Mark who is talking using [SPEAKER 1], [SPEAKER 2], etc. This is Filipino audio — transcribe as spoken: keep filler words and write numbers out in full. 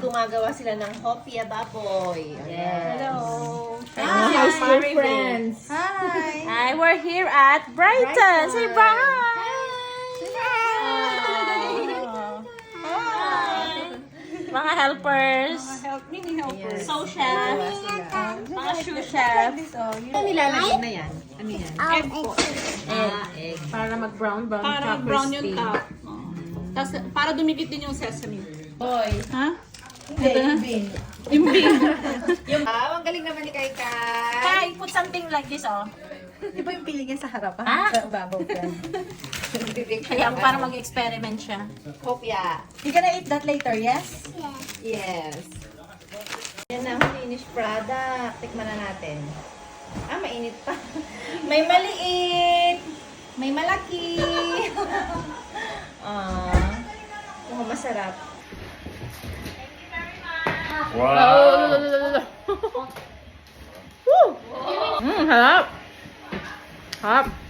[SPEAKER 1] gumagawa sila ng hopia baboy. Yes.
[SPEAKER 2] Hello.
[SPEAKER 1] Hi,
[SPEAKER 2] How's your
[SPEAKER 1] Marvin.
[SPEAKER 2] friends?
[SPEAKER 3] Hi!
[SPEAKER 2] Hi, we're here at Brighton.
[SPEAKER 1] Brighton.
[SPEAKER 2] Say bye. Mga helpers.
[SPEAKER 3] Help, mini helper.
[SPEAKER 1] Ayan.
[SPEAKER 2] So chef.
[SPEAKER 1] Gumagawa sila.
[SPEAKER 2] Mga shoe chef.
[SPEAKER 1] Ano nilalagyan na yan? Ano yan?
[SPEAKER 3] Egg po.
[SPEAKER 1] Ah, egg.
[SPEAKER 2] Para mag-brown brown.
[SPEAKER 3] Para
[SPEAKER 2] tsaka
[SPEAKER 3] brown
[SPEAKER 2] crispy.
[SPEAKER 3] yung top. Oh. Tapos, para dumikit din yung sesame.
[SPEAKER 1] Hoy.
[SPEAKER 3] Ha?
[SPEAKER 1] Hindi, imbing.
[SPEAKER 3] Imbing.
[SPEAKER 1] Yung, ah, ang galing naman ni Kai Kai.
[SPEAKER 2] Kai, put something like this, oh.
[SPEAKER 1] Di ba yung pili niya sa harapan?
[SPEAKER 2] Ah?
[SPEAKER 1] Sa babaw yan.
[SPEAKER 2] Kaya para mag-experiment siya.
[SPEAKER 1] Hopia.
[SPEAKER 2] You gonna eat that later, yes?
[SPEAKER 1] Yes. Yan na ang finished product. Tikman na natin. Ah, mainit pa. May maliit. May malaki. Ah. Mukhang masarap.
[SPEAKER 2] Wow! Woo! Mmm, harap! Harap!